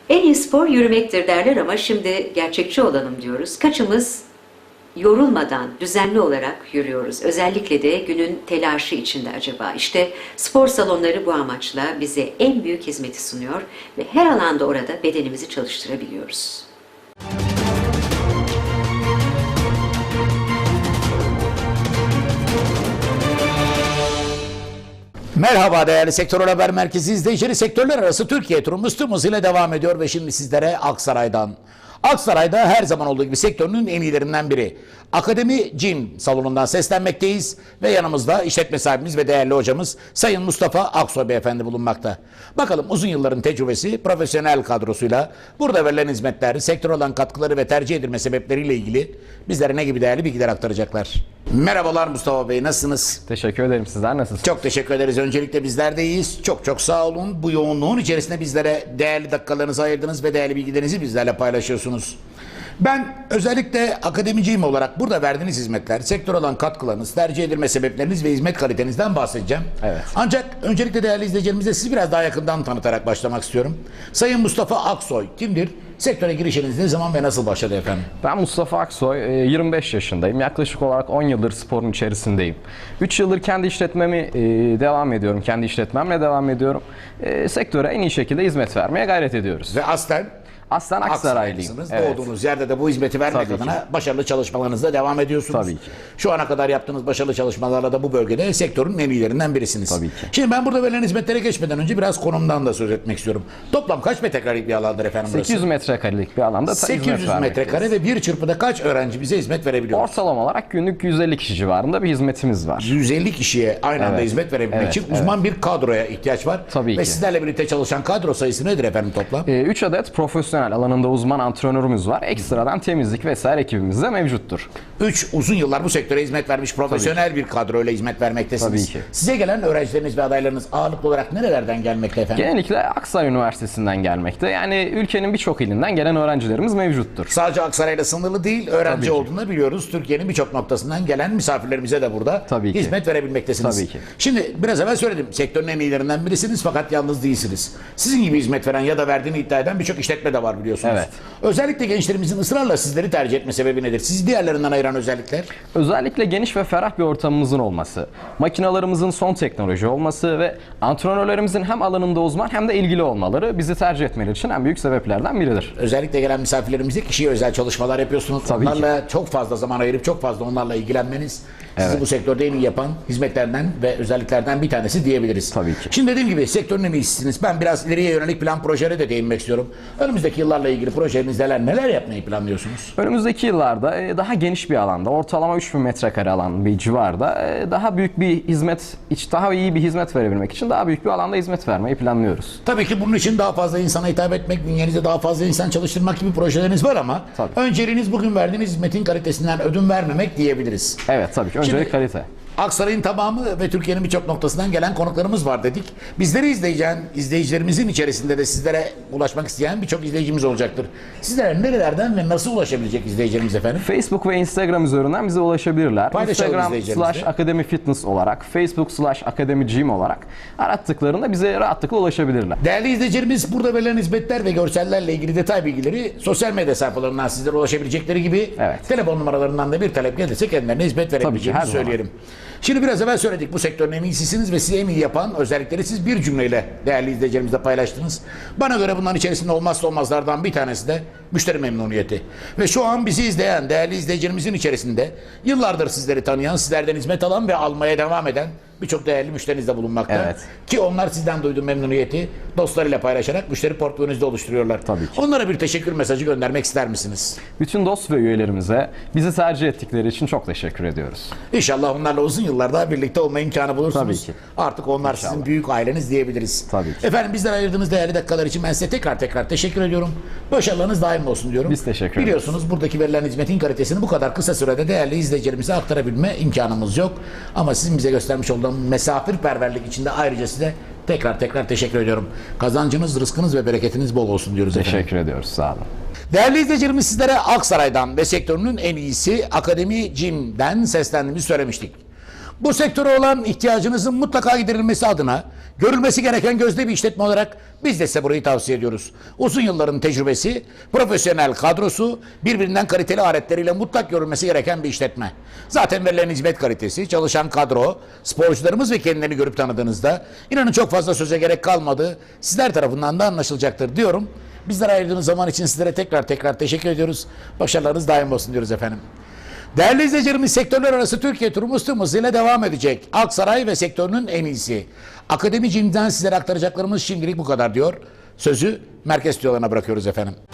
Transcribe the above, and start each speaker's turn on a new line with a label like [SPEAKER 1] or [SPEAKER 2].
[SPEAKER 1] En iyi spor yürümektir derler ama şimdi gerçekçi olalım diyoruz. Kaçımız yorulmadan düzenli olarak yürüyoruz? Özellikle de günün telaşı içinde acaba? İşte spor salonları bu amaçla bize en büyük hizmeti sunuyor ve her alanda orada bedenimizi çalıştırabiliyoruz.
[SPEAKER 2] Merhaba değerli Sektör Haber Merkezi izleyicileri. Sektörler arası Türkiye turumuz tüm hızıyla devam ediyor ve şimdi sizlere Aksaray'dan. Aksaray'da her zaman olduğu gibi sektörünün en iyilerinden biri. Akademi Gym salonundan seslenmekteyiz ve yanımızda işletme sahibimiz ve değerli hocamız Sayın Mustafa Aksoy Beyefendi bulunmakta. Bakalım uzun yılların tecrübesi, profesyonel kadrosuyla burada verilen hizmetler, sektör olan katkıları ve tercih edilme sebepleriyle ilgili bizlere ne gibi değerli bilgiler aktaracaklar. Merhabalar Mustafa Bey, nasılsınız?
[SPEAKER 3] Teşekkür ederim. Sizler nasılsınız?
[SPEAKER 2] Çok teşekkür ederiz. Öncelikle bizler de iyiyiz. Çok sağ olun. Bu yoğunluğun içerisinde bizlere değerli dakikalarınızı ayırdınız ve değerli bilgilerinizi bizlerle paylaşıyorsunuz. Ben özellikle akademiciyim olarak burada verdiğiniz hizmetler, sektör olan katkılarınız, tercih edilme sebepleriniz ve hizmet kalitenizden bahsedeceğim.
[SPEAKER 3] Evet.
[SPEAKER 2] Ancak öncelikle değerli izleyicilerimize sizi biraz daha yakından tanıtarak başlamak istiyorum. Sayın Mustafa Aksoy kimdir? Sektöre girişiniz ne zaman ve nasıl başladı efendim?
[SPEAKER 3] Ben Mustafa Aksoy, 25 yaşındayım. Yaklaşık olarak 10 yıldır sporun içerisindeyim. 3 yıldır kendi işletmemi devam ediyorum. Kendi işletmemle devam ediyorum. Sektöre en iyi şekilde hizmet vermeye gayret ediyoruz.
[SPEAKER 2] Ve aslen
[SPEAKER 3] Aslen Aksaraylıyım.
[SPEAKER 2] Evet. Doğduğunuz yerde de bu hizmeti vermek
[SPEAKER 3] Tabii
[SPEAKER 2] adına
[SPEAKER 3] ki.
[SPEAKER 2] başarılı çalışmalarınızda devam ediyorsunuz.
[SPEAKER 3] Tabii ki.
[SPEAKER 2] Şu ana kadar yaptığınız başarılı çalışmalarla da bu bölgede sektörün en iyilerinden birisiniz.
[SPEAKER 3] Tabii ki.
[SPEAKER 2] Şimdi ben burada verilen hizmetlere geçmeden önce biraz konumdan da söz etmek istiyorum. Toplam kaç metrekarelik bir alandır efendim burası?
[SPEAKER 3] 800 metrekarelik bir alanda
[SPEAKER 2] 800 metrekare ve bir çırpıda kaç öğrenci bize hizmet verebiliyor?
[SPEAKER 3] Ortalama olarak günlük 150 kişi civarında bir hizmetimiz var.
[SPEAKER 2] 150 kişiye aynı anda
[SPEAKER 3] Evet.
[SPEAKER 2] hizmet verebilmek
[SPEAKER 3] Evet,
[SPEAKER 2] için uzman bir kadroya ihtiyaç var.
[SPEAKER 3] Tabii
[SPEAKER 2] ve
[SPEAKER 3] ki.
[SPEAKER 2] sizlerle birlikte çalışan kadro sayısı nedir efendim toplam?
[SPEAKER 3] 3 adet profesyonel alanında uzman antrenörümüz var. Ekstradan temizlik vesaire ekibimiz de mevcuttur.
[SPEAKER 2] 3 uzun yıllar bu sektöre hizmet vermiş profesyonel bir kadroyla hizmet vermektesiniz.
[SPEAKER 3] Tabii ki.
[SPEAKER 2] Size gelen öğrencileriniz ve adaylarınız ağırlıklı olarak nerelerden gelmekte efendim?
[SPEAKER 3] Genellikle Aksaray Üniversitesi'nden gelmekte. Yani ülkenin birçok ilinden gelen öğrencilerimiz mevcuttur.
[SPEAKER 2] Sadece Aksaray'la sınırlı değil, öğrenci
[SPEAKER 3] Tabii ki.
[SPEAKER 2] olduğunu biliyoruz. Türkiye'nin birçok noktasından gelen misafirlerimize de burada
[SPEAKER 3] Tabii ki.
[SPEAKER 2] hizmet verebilmektesiniz.
[SPEAKER 3] Tabii ki.
[SPEAKER 2] Şimdi biraz evvel söyledim, sektörün en iyilerinden birisiniz fakat yalnız değilsiniz. Sizin gibi hizmet veren ya da verdiğini iddia eden birçok işletme de var biliyorsunuz.
[SPEAKER 3] Evet.
[SPEAKER 2] Özellikle gençlerimizin ısrarla sizleri tercih etme sebebi nedir? Sizi diğerlerinden ayıran özellikler?
[SPEAKER 3] Özellikle geniş ve ferah bir ortamımızın olması, makinalarımızın son teknoloji olması ve antrenörlerimizin hem alanında uzman hem de ilgili olmaları bizi tercih etmeleri için en büyük sebeplerden biridir.
[SPEAKER 2] Özellikle gelen misafirlerimize kişiye özel çalışmalar yapıyorsunuz.
[SPEAKER 3] Tabii
[SPEAKER 2] onlarla çok fazla zaman ayırıp çok fazla onlarla ilgilenmeniz sizi
[SPEAKER 3] Evet.
[SPEAKER 2] bu sektörde en iyi yapan hizmetlerden ve özelliklerden bir tanesi diyebiliriz.
[SPEAKER 3] Tabii ki.
[SPEAKER 2] Şimdi dediğim gibi sektörün en iyisiniz. Ben biraz ileriye yönelik plan projelere de değinmek istiyorum. Önümüzdeki yıllarla ilgili projeleriniz neler yapmayı planlıyorsunuz?
[SPEAKER 3] Önümüzdeki yıllarda daha geniş bir alanda, ortalama 3000 metrekare alan bir civarda daha büyük bir hizmet, daha iyi bir hizmet verebilmek için daha büyük bir alanda hizmet vermeyi planlıyoruz.
[SPEAKER 2] Tabii ki bunun için daha fazla insana hitap etmek, bünyenize daha fazla insan çalıştırmak gibi projeleriniz var ama
[SPEAKER 3] Tabii.
[SPEAKER 2] önceliğiniz bugün verdiğiniz hizmetin kalitesinden ödün vermemek diyebiliriz.
[SPEAKER 3] Evet, tabii ki. Öncelik
[SPEAKER 2] Şimdi-
[SPEAKER 3] kalite.
[SPEAKER 2] Aksaray'ın tamamı ve Türkiye'nin birçok noktasından gelen konuklarımız var dedik. Bizleri izleyicilerimizin içerisinde de sizlere ulaşmak isteyen birçok izleyicimiz olacaktır. Sizlere nerelerden ve nasıl ulaşabilecek izleyicilerimiz efendim?
[SPEAKER 3] Facebook ve Instagram üzerinden bize ulaşabilirler.
[SPEAKER 2] Paylaşalım
[SPEAKER 3] Instagram
[SPEAKER 2] izleyicilerimizle.
[SPEAKER 3] /Akademi Fitness olarak, Facebook /Akademi Gym olarak arattıklarında bize rahatlıkla ulaşabilirler.
[SPEAKER 2] Değerli izleyicilerimiz burada verilen hizmetler ve görsellerle ilgili detay bilgileri sosyal medya sayfalarından sizlere ulaşabilecekleri gibi
[SPEAKER 3] Evet.
[SPEAKER 2] telefon numaralarından da bir talep gelirse kendilerine hizmet verebileceğimizi
[SPEAKER 3] her zaman.
[SPEAKER 2] söyleyelim. Şimdi biraz evvel söyledik bu sektörün en iyisisiniz ve sizi en iyi yapan özellikleri siz bir cümleyle değerli izleyicilerimizle paylaştınız. Bana göre bunların içerisinde olmazsa olmazlardan bir tanesi de müşteri memnuniyeti. Ve şu an bizi izleyen değerli izleyicilerimizin içerisinde yıllardır sizleri tanıyan, sizlerden hizmet alan ve almaya devam eden birçok değerli müşteriniz de bulunmakta.
[SPEAKER 3] Evet.
[SPEAKER 2] Ki onlar sizden duyduğu memnuniyeti dostlarıyla paylaşarak müşteri portföyünüzde oluşturuyorlar.
[SPEAKER 3] Tabii ki.
[SPEAKER 2] Onlara bir teşekkür mesajı göndermek ister misiniz?
[SPEAKER 3] Bütün dost ve üyelerimize bizi tercih ettikleri için çok teşekkür ediyoruz.
[SPEAKER 2] İnşallah onlarla uzun yıllar daha birlikte olma imkanı bulursunuz.
[SPEAKER 3] Tabii ki.
[SPEAKER 2] Artık onlar sizin büyük aileniz diyebiliriz.
[SPEAKER 3] Tabii ki.
[SPEAKER 2] Efendim bizden ayırdığınız değerli dakikalar için ben size tekrar teşekkür ediyorum. Başarılarınız daim olsun diyorum.
[SPEAKER 3] Biz teşekkür ederiz.
[SPEAKER 2] Biliyorsunuz buradaki verilen hizmetin kalitesini bu kadar kısa sürede değerli izleyicilerimize aktarabilme imkanımız yok. Ama sizin bize göstermiş olduğunuz misafirperverlik için de ayrıca size tekrar teşekkür ediyorum. Kazancınız, rızkınız ve bereketiniz bol olsun diyoruz efendim.
[SPEAKER 3] Teşekkür ediyoruz. Sağ olun.
[SPEAKER 2] Değerli izleyicilerimiz sizlere Aksaray'dan ve sektörünün en iyisi Akademi Gym'den seslendiğimizi söylemiştik. Bu sektöre olan ihtiyacınızın mutlaka giderilmesi adına Görülmesi gereken gözde bir işletme olarak biz de size burayı tavsiye ediyoruz. Uzun yılların tecrübesi, profesyonel kadrosu, birbirinden kaliteli aletleriyle mutlak görülmesi gereken bir işletme. Zaten verilen hizmet kalitesi, çalışan kadro, sporcularımız ve kendilerini görüp tanıdığınızda inanın çok fazla söze gerek kalmadı. Sizler tarafından da anlaşılacaktır diyorum. Bizlere ayırdığınız zaman için sizlere tekrar teşekkür ediyoruz. Başarılarınız daim olsun diyoruz efendim. Değerli izleyicilerimiz, sektörler arası Türkiye turumuz tüm hızıyla devam edecek. Aksaray ve sektörünün en iyisi. Akademicimden sizlere aktaracaklarımız şimdilik bu kadar diyor. Sözü merkez stüdyolarına bırakıyoruz efendim.